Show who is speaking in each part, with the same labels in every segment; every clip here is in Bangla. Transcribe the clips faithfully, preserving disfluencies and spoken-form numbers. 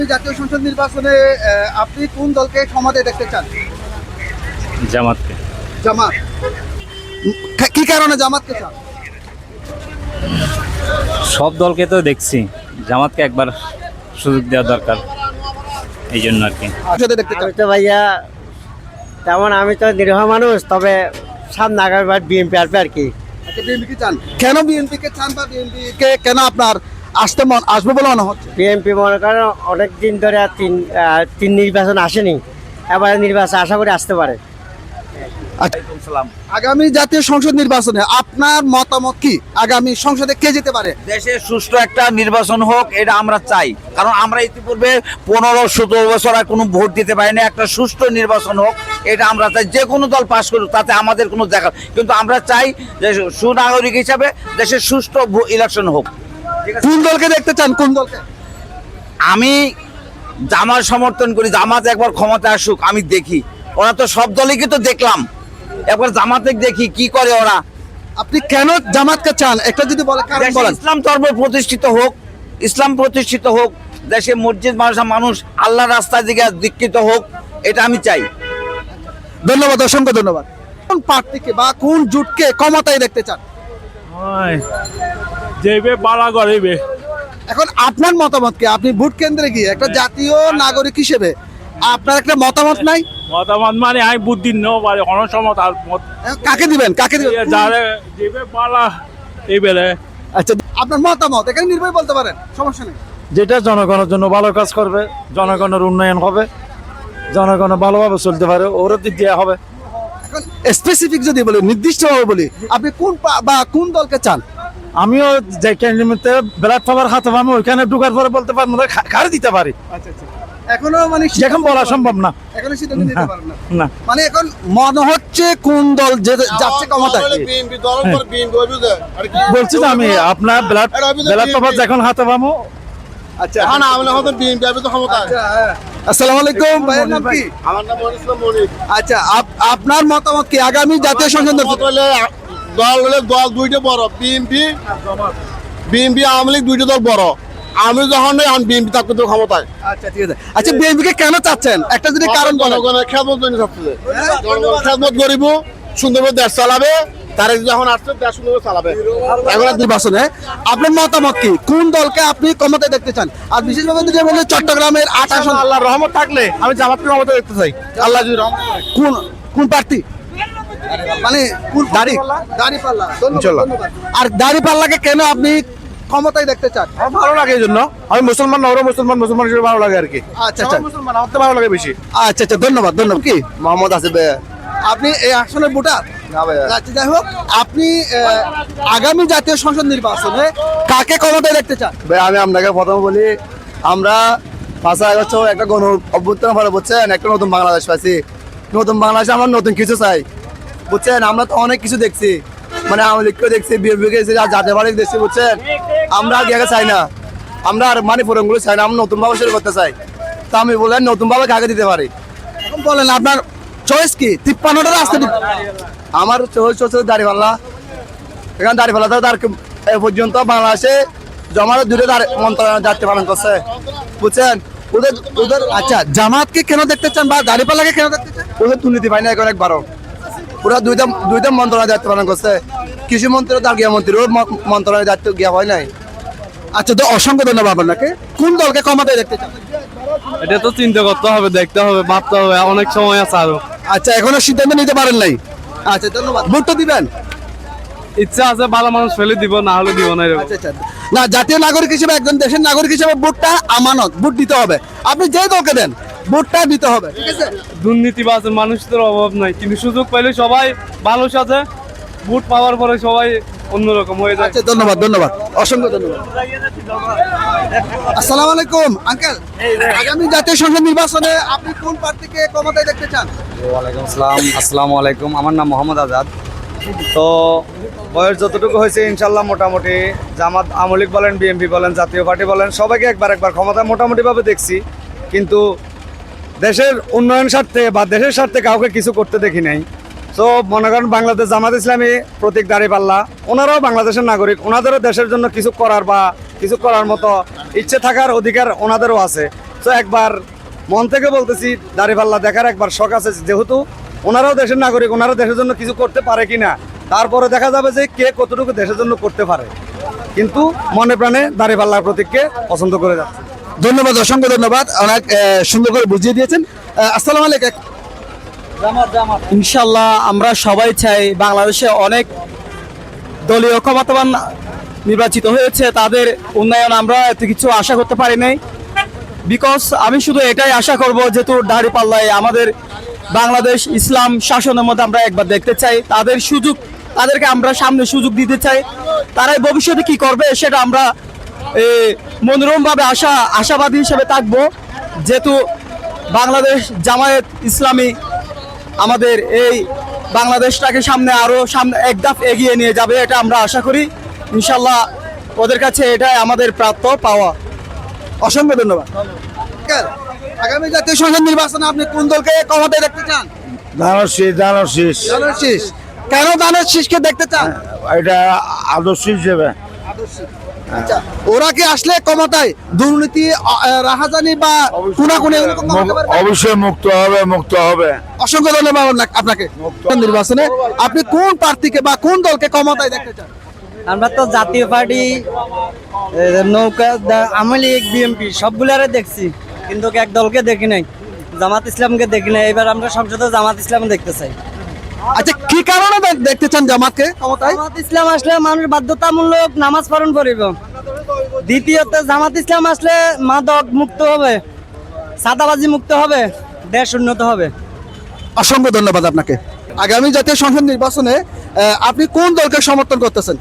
Speaker 1: জাতীয় সংসদ নির্বাচনে আপনি কোন দলকে ক্ষমতায় দেখতে চান?
Speaker 2: জামাতকে।
Speaker 1: জামাত। কি কারণে জামাতকে চান?
Speaker 2: সব দলকে তো দেখছি, জামাতকে একবার সুযোগ দেওয়া দরকার, এই জন্য আর কি।
Speaker 1: দেখতে চান?
Speaker 3: আমি তো ভাইয়া তেমন, আমি তো নিরীহ মানুষ, তবে সামনে আগামীবার বিএনপি আসবে আর কি।
Speaker 1: আচ্ছা, বিএনপি কে চান? কেন বিএনপি কে চান বা বিএনপি কে কেন আপনার আসতে মন আসবে বলে মনে হচ্ছে?
Speaker 3: বিএনপি মনে করেন অনেক দিন ধরে আর তিন আহ, তিন নির্বাচন আসেনি, এবার নির্বাচন আশা করি আসতে পারে।
Speaker 1: আগামী জাতীয় সংসদ নির্বাচনে আপনার মতামত কি? আগামী সংসদে কে যেতে পারে?
Speaker 4: দেশে সুষ্ঠু একটা নির্বাচন হোক, এটা আমরা চাই। কারণ আমরা ইতিপূর্বে পনেরো সতেরো বছর আর কোনো ভোট দিতে পারি না। একটা সুষ্ঠু নির্বাচন হোক, এটা আমরা চাই। যে কোনো দল পাশ করুক, তাতে আমাদের কোনো দেখা, কিন্তু আমরা চাই যে সুনাগরিক হিসাবে দেশের সুষ্ঠু ইলেকশন হোক।
Speaker 1: কোন দলকে দেখতে চান? কোন দলকে?
Speaker 4: আমি জামাত সমর্থন করি। জামাত একবার ক্ষমতা আসুক, আমি দেখি। ওরা তো সব দলকে তো দেখলাম, একবার জামাতে দেখি কি করে ওরা।
Speaker 1: আপনি কেন জামাতকে চান একটা যদি বলেন, কারণ
Speaker 4: দেশে
Speaker 1: বলেন।
Speaker 4: ইসলাম ধর্ম প্রতিষ্ঠিত হোক, ইসলাম প্রতিষ্ঠিত হোক, দেশে মসজিদ মাদ্রাসা মানুষ আল্লাহ রাস্তার দিকে দীক্ষিত হোক, এটা আমি চাই।
Speaker 1: ধন্যবাদ, অসংখ্য ধন্যবাদ। কোন প্রার্থীকে বা কোন জোটকে ক্ষমতায় দেখতে চান?
Speaker 2: যেবে পালা করিবে।
Speaker 1: এখন আপনার মতামত কি? আপনি ভোট কেন্দ্রে গিয়ে একটা জাতীয় নাগরিক হিসেবে আপনার একটা মতামত নাই?
Speaker 2: মতামত মানে আমি বুদ্ধি নেও পারে অনেক সময় তার মত
Speaker 1: কাকে দিবেন? কাকে দিবেন?
Speaker 2: যারে যেবে পালা এই বেলে।
Speaker 1: আচ্ছা, আপনার মতামত এখানে নির্ভয় বলতে পারেন, সমস্যা নেই।
Speaker 5: যেটা জনগণের জন্য ভালো কাজ করবে, জনগণের উন্নয়ন হবে, জনগণ ভালোভাবে চলতে পারে, ওর দিক দিয়ে হবে।
Speaker 1: এখন স্পেসিফিক যদি বলি, নির্দিষ্টভাবে বলি, আপনি কোন পা- বা কোন দলকে চান?
Speaker 5: আমিও যে ক্যান্ডিডেটে ব্যালট পেপার হাতে পাবো, ওইখানে ঢুকার পরে বলতে পারবো না, খাড়ি দিতে পারি।
Speaker 1: আচ্ছা আচ্ছা, এখনো মানে
Speaker 5: এখন বলা সম্ভব না।
Speaker 1: এখনো সিদ্ধান্ত নিতে পারেন না।
Speaker 5: না,
Speaker 1: মানে এখন মনে হচ্ছে কোন দল যে যাচ্ছে ক্ষমতায়।
Speaker 5: বলছি তো আমি, আপনার ব্যালট ব্যালট পেপার যখন হাতে পাবো।
Speaker 1: আচ্ছা, আচ্ছা, হ্যাঁ। আসসালামু আলাইকুম, ভাইয়ের নাম কি?
Speaker 6: আমার নাম মনির ইসলাম মনির।
Speaker 1: আচ্ছা, আপ- আপনার মতামত কি আগামী জাতীয় সংসদ নির্বাচন?
Speaker 6: মত হলে দল হলে দল দুইটা বড়, বিএনপি বিএনপি আওয়ামী লীগ দুইটা দল বড়। আমি যখন নেই এখন বিএনপি থাকতে তো ক্ষমতায়।
Speaker 1: আচ্ছা, ঠিক আছে। আচ্ছা, বিএনপি কে কেন চাচ্ছেন একটা যদি কারণ বলেন?
Speaker 6: জনগণের খেদমত জন্য সবচেয়ে জনগণের খেদমত করিব, সুন্দরভাবে দেশ চালাবে। তারা যখন আসছে দেশ সুন্দরভাবে চালাবে।
Speaker 1: এখন আর নির্বাচনে আপনার মতামত কি? কোন দলকে আপনি ক্ষমতায় দেখতে চান? আর বিশেষভাবে যদি বলেন চট্টগ্রামের আট আসন,
Speaker 6: আল্লাহর রহমত থাকলে আমি জামাতকে ক্ষমতা দেখতে চাই। আল্লাহ যদি রহমত করে।
Speaker 1: কোন কোন প্রার্থী? মানে কোন দাড়ি দাড়িপাল্লা। ধন্যবাদ, ধন্যবাদ। আর দাড়িপাল্লাকে কেন আপনি ক্ষমতায় দেখতে চান?
Speaker 6: আমার ভালো লাগে এই জন্য। আমি মুসলমান না, ওরা মুসলমান, মুসলমান হিসেবে ভালো লাগে আর কি।
Speaker 1: আচ্ছা আচ্ছা,
Speaker 6: সবাই মুসলমান, আমার তো ভালো লাগে বেশি।
Speaker 1: আচ্ছা আচ্ছা, ধন্যবাদ, ধন্যবাদ। কি
Speaker 6: মোহাম্মদ আসিফ ভাই।
Speaker 1: আপনি এই আসনের ভোটার?
Speaker 6: না ভাই,
Speaker 1: আচ্ছা, যাই হোক, আপনি আহ, আগামী জাতীয় সংসদ নির্বাচনে কাকে ক্ষমতায় দেখতে চান?
Speaker 6: ভাই আমি আপনাকে প্রথম বলি, আমরা পাঁচ আগস্ট একটা গণ অভ্যুত্থান ফলে বুঝছেন, একটা নতুন বাংলাদেশ পাইছি। নতুন বাংলাদেশে আমরা নতুন কিছু চাই, বুঝছেন। আমরা তো অনেক কিছু দেখছি, মানে আওয়ামী লীগকে দেখছি, বিএনপি দেখছি, আর জাতীয় পার্টি দেখছি, বুঝছেন। আমরা আর গিয়ে চাই না, আমরা আর মানে ফোরমগুলো চাই না, আমরা নতুন ভাবে শুরু করতে চাই। তা আমি বললেন নতুন ভাবে কাকে দিতে পারি?
Speaker 1: এখন বলেন আপনার চয়েস কি? তিপ্পান্নটা রাস্তা
Speaker 6: আমার চোখ চোখ দাঁড়িপাল্লা। এখানে দাঁড়িপাল্লা তো তার এ পর্যন্ত বাংলাদেশে জমার দুটো মন্ত্রণালয় দায়িত্ব পালন করছে, বুঝছেন। ওদের ওদের
Speaker 1: আচ্ছা, জামাতকে কেন দেখতে চান বা দাড়িপাল্লাকে কেন দেখতে চান?
Speaker 6: ওদের দুর্নীতি পায় না এখন একবারও। ওরা দুইটা দুইটা মন্ত্রণালয় দায়িত্ব পালন করছে। কৃষি মন্ত্রী তার গৃহ মন্ত্রী, ওর মন্ত্রণালয় দায়িত্ব গিয়া হয় নাই।
Speaker 1: আচ্ছা, তো অসংখ্য ধন্যবাদ আপনাকে। কোন দলকে ক্ষমতায় দেখতে চান?
Speaker 5: এটা তো চিন্তা করতে হবে, দেখতে হবে, ভাবতে হবে, অনেক সময় আছে আরো।
Speaker 1: আচ্ছা, এখনো সিদ্ধান্ত নিতে পারেন নাই। আচ্ছা, ধন্যবাদ। ভোট তো দিবেন?
Speaker 5: ইচ্ছা আছে, ভালো মানুষ ফেলে দিব, না হলে দিব না।
Speaker 1: আচ্ছা আচ্ছা, না, জাতীয় নাগরিক হিসেবে, একজন দেশের নাগরিক হিসেবে ভোটটা আমানত, ভোট দিতে হবে। আপনি যে দলকে দেন ভোটটা দিতে হবে, ঠিক আছে?
Speaker 5: দুর্নীতিবাজ মানুষদের অভাব নাই, কিন্তু সুযোগ পাইলে সবাই ভালো সাথে, ভোট পাওয়ার পরে সবাই অন্যরকম হয়ে যায়।
Speaker 1: আচ্ছা, ধন্যবাদ, ধন্যবাদ, অসংখ্য ধন্যবাদ। আসসালামু আলাইকুম আঙ্কেল, আগামী জাতীয় সংসদ নির্বাচনে আপনি কোন প্রার্থীকে ক্ষমতায় দেখতে চান?
Speaker 7: ওয়ালাইকুম আসসালাম। আসসালামু আলাইকুম। আমার নাম মোহাম্মদ আজাদ। তো বয়স যতটুকু হয়েছে ইনশাল্লাহ মোটামুটি জামাত, আওয়ামী লীগ বলেন, বিএনপি বলেন, জাতীয় পার্টি বলেন, সবাইকে একবার একবার ক্ষমতা মোটামুটিভাবে দেখছি, কিন্তু দেশের উন্নয়ন স্বার্থে বা দেশের স্বার্থে কাউকে কিছু করতে দেখি নাই। তো মনে করেন বাংলাদেশ জামাত ইসলামী, প্রতীক দাঁড়িপাল্লা, ওনারাও বাংলাদেশের নাগরিক, ওনাদেরও দেশের জন্য কিছু করার বা কিছু করার মতো ইচ্ছে থাকার অধিকার ওনাদেরও আছে। তো একবার মন থেকে বলতেছি দাঁড়িপাল্লা দেখার একবার শখ আছে, যেহেতু ওনারাও দেশের নাগরিক, ওনারা দেশের জন্য কিছু করতে পারে কিনা, তারপরে দেখা যাবে যে কে কতটুকু দেশের জন্য করতে পারে। কিন্তু মনে প্রাণে দাঁড়িপাল্লার প্রতীককে পছন্দ করে যাচ্ছে।
Speaker 1: ধন্যবাদ, অসংখ্য ধন্যবাদ, অনেক আহ, সুন্দর করে বুঝিয়ে দিয়েছেন। আহ, আসসালামু আলাইকুম।
Speaker 3: ইনশাল্লাহ আমরা সবাই চাই বাংলাদেশে অনেক দলীয় ক্ষমতাবান নির্বাচিত হয়েছে, তাদের উন্নয়ন আমরা এত কিছু আশা করতে পারি নাই। বিকজ আমি শুধু এটাই আশা করব, যেহেতু দাঁড়িপাল্লায় আমাদের বাংলাদেশ ইসলাম শাসনের মধ্যে আমরা একবার দেখতে চাই, তাদের সুযোগ, তাদেরকে আমরা সামনে সুযোগ দিতে চাই। তারাই ভবিষ্যতে কি করবে সেটা আমরা মনোরমভাবে আশা আশাবাদী হিসেবে থাকবো, যেহেতু বাংলাদেশ জামায়াত ইসলামী আমাদের এই বাংলাদেশটাকে সামনে আরো সামনে এক ধাপ এগিয়ে নিয়ে যাবে, এটা আমরা আশা করি। ইনশাল্লাহ ওদের কাছে এটাই আমাদের প্রাপ্য পাওয়া।
Speaker 1: অসংখ্য ধন্যবাদ। আগামী জাতীয় সংসদ নির্বাচনে আপনি কোন দলকে ক্ষমতায় দেখতে চান?
Speaker 8: ধানের শীষ ধানের শীষ
Speaker 1: ধানের শীষ। কেন ধানের শীষকে দেখতে চান?
Speaker 8: এটা আদর্শ হিসেবে।
Speaker 1: আচ্ছা, ওরা কি আসলে ক্ষমতায় দুর্নীতি, আহ, রাহাজানি বা খুনাখুনি এগুলো কম করতে পারবে?
Speaker 8: অবশ্যই মুক্ত হবে মুক্ত হবে
Speaker 1: অসংখ্য ধন্যবাদ আপনাকে- আপনাকে। নির্বাচনে আপনি কোন প্রার্থীকে বা কোন দলকে ক্ষমতায় দেখতে চান?
Speaker 3: আমরা তো জাতীয় পার্টি, নৌকা, আওয়ামী লীগ, বিএনপি সবগুলারে দেখছি, কিন্তু এক দলকে দেখি নাই, জামাত ইসলামকে দেখি নাই। এবার আমরা সংসদে জামাত ইসলাম দেখতে চাই।
Speaker 1: আচ্ছা, কি কারণে দেখ- দেখতে চান জামাতকে ক্ষমতায়?
Speaker 3: জামাত ইসলাম আসলে মানুষ বাধ্যতামূলক নামাজ পালন করিব। দ্বিতীয়ত জামাত ইসলাম আসলে মাদক মুক্ত হবে, সাদাবাজি মুক্ত হবে, দেশ উন্নত হবে।
Speaker 1: অসংখ্য ধন্যবাদ আপনাকে। আগামী জাতীয় সংসদ নির্বাচনে আহ, আপনি কোন দলকে সমর্থন করতেছেন?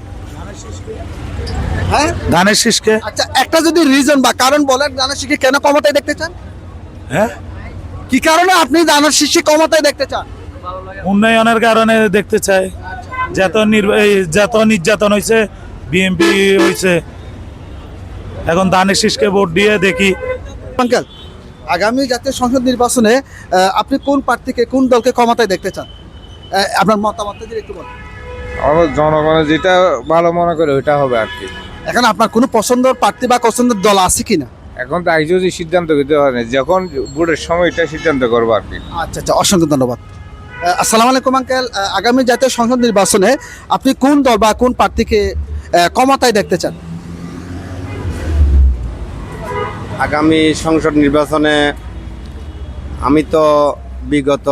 Speaker 1: হ্যাঁ,
Speaker 8: ধানের শীষকে।
Speaker 1: আচ্ছা, একটা যদি রিজন বা কারণ বলেন, ধানের শীষকে কেন ক্ষমতায় দেখতে চান?
Speaker 8: হ্যাঁ,
Speaker 1: কি কারণে আপনি ধানের শীষকে ক্ষমতায় দেখতে চান?
Speaker 8: উন্নয়নের কারণে দেখতে চাই। যত নির্বা- এই যত নির্যাতন হয়েছে, বিএনপি হয়েছে, এখন ধানের শীষকে ভোট দিয়ে দেখি।
Speaker 1: আঙ্কেল, আগামী জাতীয় সংসদ নির্বাচনে আহ, আপনি কোন প্রার্থীকে, কোন দলকে ক্ষমতায় দেখতে চান? আহ, আপনার মতামতটা যদি একটু বলেন।
Speaker 9: আমার জনগণের যেটা ভালো মনে করে ওইটা হবে আর কি।
Speaker 1: এখন আপনার কোনো পছন্দের প্রার্থী বা পছন্দের দল আছে কিনা?
Speaker 9: এখন তো আগে যদি সিদ্ধান্ত দিতে হয় না, যখন ভোটের সময় এটা সিদ্ধান্ত করবো আর কি।
Speaker 1: আচ্ছা আচ্ছা, অসংখ্য ধন্যবাদ। আহ, আসসালামু আলাইকুম আঙ্কেল। আহ, আগামী জাতীয় সংসদ নির্বাচনে আপনি কোন দল বা কোন প্রার্থীকে আহ, ক্ষমতায় দেখতে চান?
Speaker 10: আগামী সংসদ নির্বাচনে আমি তো বিগত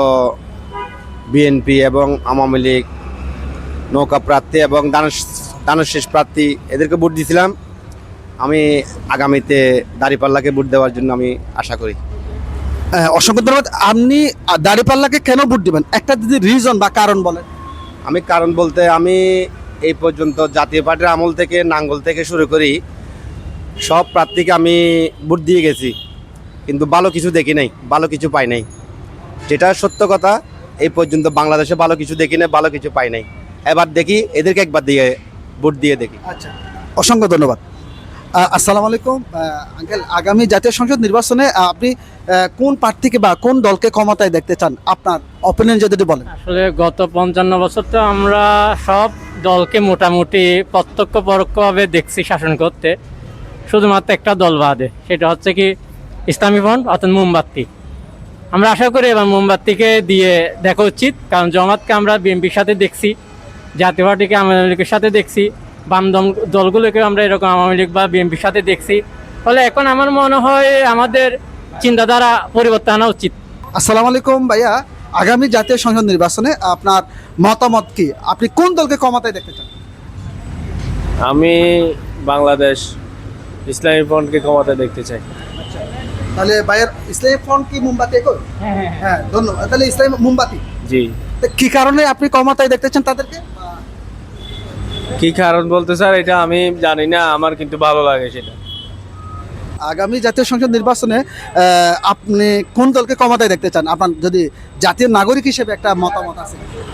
Speaker 10: বিএনপি এবং আওয়ামী লীগ, নৌকা প্রার্থী এবং দানের শেষ প্রার্থী এদেরকে ভোট দিয়েছিলাম। আমি আগামীতে দাঁড়িপাল্লাকে ভোট দেওয়ার জন্য আমি আশা করি।
Speaker 1: আহ, অসংখ্য ধন্যবাদ। আপনি আহ, দাঁড়িপাল্লাকে কেন ভোট দিবেন, একটা যদি রিজন বা কারণ বলেন।
Speaker 10: আমি কারণ বলতে, আমি এই পর্যন্ত জাতীয় পার্টির আমল থেকে, নাঙ্গল থেকে শুরু করি সব প্রার্থীকে আমি ভোট দিয়ে গেছি, কিন্তু ভালো কিছু দেখি নাই, ভালো কিছু পাই নাই। যেটা সত্য কথা, এই পর্যন্ত বাংলাদেশে ভালো কিছু দেখি নাই, ভালো কিছু পাই নাই। এবার দেখি এদেরকে একবার দিয়ে ভোট দিয়ে দেখি।
Speaker 1: আচ্ছা, অসংখ্য ধন্যবাদ। আহ, আসসালামু আলাইকুম আঙ্কেল। আগামী জাতীয় সংসদ নির্বাচনে আহ, আপনি আহ, কোন প্রার্থীকে বা কোন দলকে ক্ষমতায় দেখতে চান, আপনার অপিনিয়ন যদি একটু বলেন।
Speaker 11: আসলে গত পঞ্চান্ন বছর তো আমরা সব দলকে মোটামুটি প্রত্যক্ষ পরোক্ষভাবে দেখছি শাসন করতে, শুধুমাত্র একটা দল বাদে, সেটা হচ্ছে কি ইসলামী ফ্রন্ট অর্থাৎ মোমবাতি। আমরা আশা করি এবার মোমবাতিকে দিয়ে দেখা উচিত, কারণ জামাতকে আমরা বিএনপির সাথে দেখছি, জাতীয় পার্টিকে আওয়ামী লীগের সাথে দেখছি, বাম দল দলগুলোকে আমরা এরকম আওয়ামী লীগ বা বিএনপির সাথে দেখছি। ফলে এখন আমার মনে হয় আমাদের চিন্তাধারা পরিবর্তন আনা উচিত।
Speaker 1: আসসালামু আলাইকুম ভাইয়া। আগামী জাতীয় সংসদ নির্বাচনে আপনার মতামত কি, আপনি কোন দলকে ক্ষমতায় দেখতে চান?
Speaker 5: আমি বাংলাদেশ ইসলামী ফ্রন্টকে ক্ষমতায় দেখতে চাই।
Speaker 1: তাহলে ভাইয়ের ইসলামী ফ্রন্ট কি মোমবাতি একই? হ্যাঁ, ধন্যবাদ। তাহলে ইসলামী মোমবাতি,
Speaker 5: জি।
Speaker 1: তা কি কারণে আপনি ক্ষমতায় দেখতে চান তাদেরকে?
Speaker 5: কি কারণ বলতে স্যার এটা আমি জানি না, আমার কিন্তু ভালো লাগে সেটা।
Speaker 1: আগামী জাতীয় সংসদ নির্বাচনে আহ, আপনি কোন দলকে ক্ষমতায় দেখতে চান, আপনার যদি জাতীয় নাগরিক হিসেবে একটা মতামত আছে?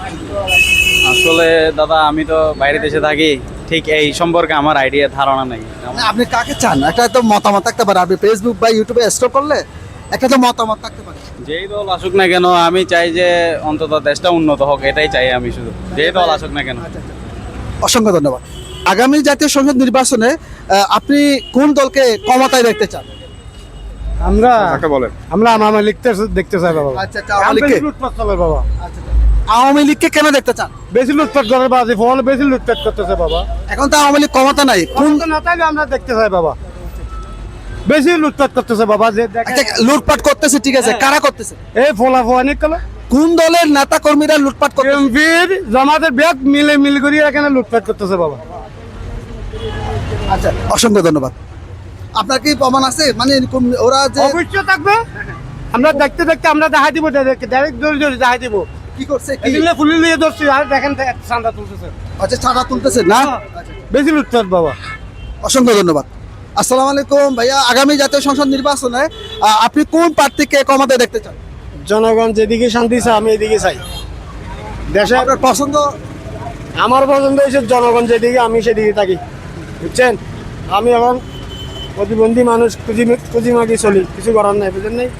Speaker 2: আসলে দাদা আমি তো বাইরে দেশে থাকি, ঠিক এই সম্পর্কে আমার আইডিয়া ধারণা নেই।
Speaker 1: মানে আপনি কাকে চান, একটা তো মতামত থাকতে পারে, আপনি ফেসবুক বা ইউটিউবে স্ক্রল করলে একটা তো মতামত থাকতে পারে।
Speaker 2: যেই দল আসুক না কেন আমি চাই যে অন্তত দেশটা উন্নত হোক, এটাই চাই আমি শুধু, যেই দল আসুক না কেন।
Speaker 1: অসংখ্য ধন্যবাদ। আগামী জাতীয় সংসদ নির্বাচনে আহ, আপনি কোন দলকে ক্ষমতায় দেখতে চান?
Speaker 5: আমরা
Speaker 9: একটা বলেন।
Speaker 5: আমরা আওয়ামী লীগকে দেখতে চাই বাবা।
Speaker 1: আচ্ছা আচ্ছা, আওয়ামী লীগকে
Speaker 5: লুটপাট চলে বাবা,
Speaker 1: আচ্ছা, আওয়ামী লীগকে কেন দেখতে চান?
Speaker 5: বেশি লুটপাট করে বাজে ফল বেশি লুটপাট করতেছে বাবা।
Speaker 1: এখন তো আওয়ামী লীগ ক্ষমতা নাই, কোন
Speaker 5: কোন না তাইলে আমরা দেখতে চাই বাবা, বেশি লুটপাট করতেছে বাবা। যে দেখেন
Speaker 1: আচ্ছা, লুটপাট করতেছে ঠিক আছে, কারা করতেছে?
Speaker 5: এই ফলা ফলানি কলে
Speaker 1: কোন দলের নেতা কর্মীরা লুটপাট করতেছে?
Speaker 5: এমপির জামাতের ব্যাগ মিলে মিল করিয়ে এখানে লুটপাট করতেছে বাবা।
Speaker 1: আচ্ছা, অসংখ্য ধন্যবাদ। আপনার কি প্রমাণ আছে, মানে কোন- ওরা যে
Speaker 5: অবশ্যই থাকবে, আমরা দেখতে দেখতে আমরা দেখাই দিব, ডাইরেক্ট জোরে জোরে দেখাই দিব।
Speaker 1: কি করছে কি?
Speaker 5: এদিকে ফুলি নিয়ে ধরছি আর দেখেন চান্দা তুলতেছে,
Speaker 1: আচ্ছা, ছাড়া তুলতেছে না?
Speaker 5: বেশি লুটপাট বাবা।
Speaker 1: অসংখ্য ধন্যবাদ। আসসালামু আলাইকুম ভাইয়া, আগামী জাতীয় সংসদ নির্বাচনে আহ, আপনি কোন প্রার্থীকে ক্ষমতায় দেখতে চান?
Speaker 5: জনগণ যেদিকে শান্তি চায় আমি এদিকে চাই। দেশে
Speaker 1: আপনার পছন্দ?
Speaker 5: আমার পছন্দ হয়েছে জনগণ যেদিকে আমি সেদিকে থাকি, বুঝছেন। আমি এখন প্রতিবন্ধী মানুষ, খুঁজি খুঁজি মাগি চলি, কিছু করার নাই, বুঝলেন নাই।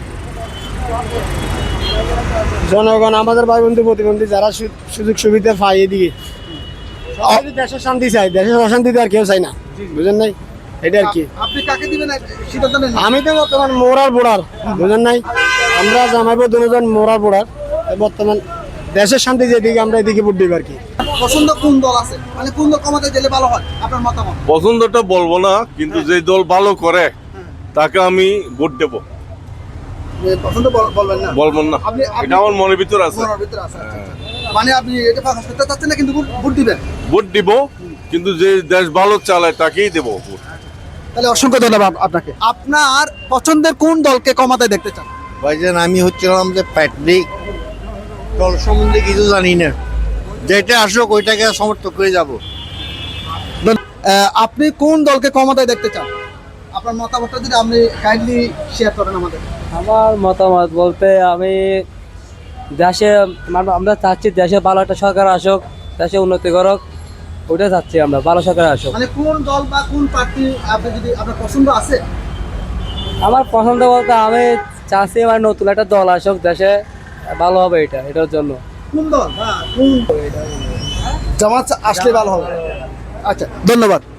Speaker 5: জনগণ আমাদের ভাই বন্ধু প্রতিবন্ধী যারা সু- সুযোগ সুবিধা পায় এদিকে, সবাই যদি দেশের শান্তি চাই, দেশের অশান্তিতে আর কেউ চাই না, বুঝলেন নাই। এটা আর কি।
Speaker 1: আপনি কাকে দিবেন সিদ্ধান্ত নেন।
Speaker 5: আমি তো বর্তমান মোরার বোড়ার, বুঝলেন নাই। আমরা জামাইবো দুজন মোরার বোড়ার, বর্তমান দেশের শান্তি যেদিকে আমরা এদিকে ভোট দিব আর কি।
Speaker 1: পছন্দ কোন দল আছে, মানে কোন দল ক্ষমতায় গেলে ভালো হয়, আপনার মতামত?
Speaker 12: পছন্দটা বলবো না, কিন্তু যে দল ভালো করে তাকে আমি ভোট দেব।
Speaker 1: পছন্দ বল- বলবেন না?
Speaker 12: বলবো না,
Speaker 1: আপনি আপনি-
Speaker 12: এটা আমার মনের ভিতর আছে।
Speaker 1: মনের ভিতরে আছে, আচ্ছা, আচ্ছা। মানে আপনি এটা প্রকাশ করতে চাচ্ছেন না, কিন্তু ভোট- ভোট দিবেন।
Speaker 12: ভোট দিব, কিন্তু যে দেশ ভালো চালায় তাকেই দেবো ভোট।
Speaker 1: তাহলে অসংখ্য ধন্যবাদ আপনাকে। আপনার পছন্দের কোন দলকে ক্ষমতায় দেখতে চান?
Speaker 6: ভাইজান আমি হচ্ছিলাম যে প্যাট্রিক দল সম্বন্ধে কিছু জানি না, যেটা আসুক ওইটাকে সমর্থন করে যাব।
Speaker 1: আহ, আপনি কোন দলকে ক্ষমতায় দেখতে চান? আপনার মতামতটা যদি আপনি কাইন্ডলি শেয়ার করেন আমাদের।
Speaker 3: আমার মতামত বলতে আমি দেশে মানে আমরা চাচ্ছি দেশে ভালো একটা সরকার আসুক, দেশে উন্নতি করুক, ওইটা চাচ্ছি আমরা, ভালো সরকার আসুক।
Speaker 1: মানে কোন দল বা কোন প্রার্থী আপনি যদি আপনার পছন্দ আছে?
Speaker 3: আমার পছন্দ বলতে আমি চাচ্ছি আমার নতুন একটা দল আসুক দেশে, ভালো হবে এটা, এটার জন্য।
Speaker 1: কোন দল? হ্যাঁ, কোন জামাত আসলে ভালো হবে। আচ্ছা, ধন্যবাদ।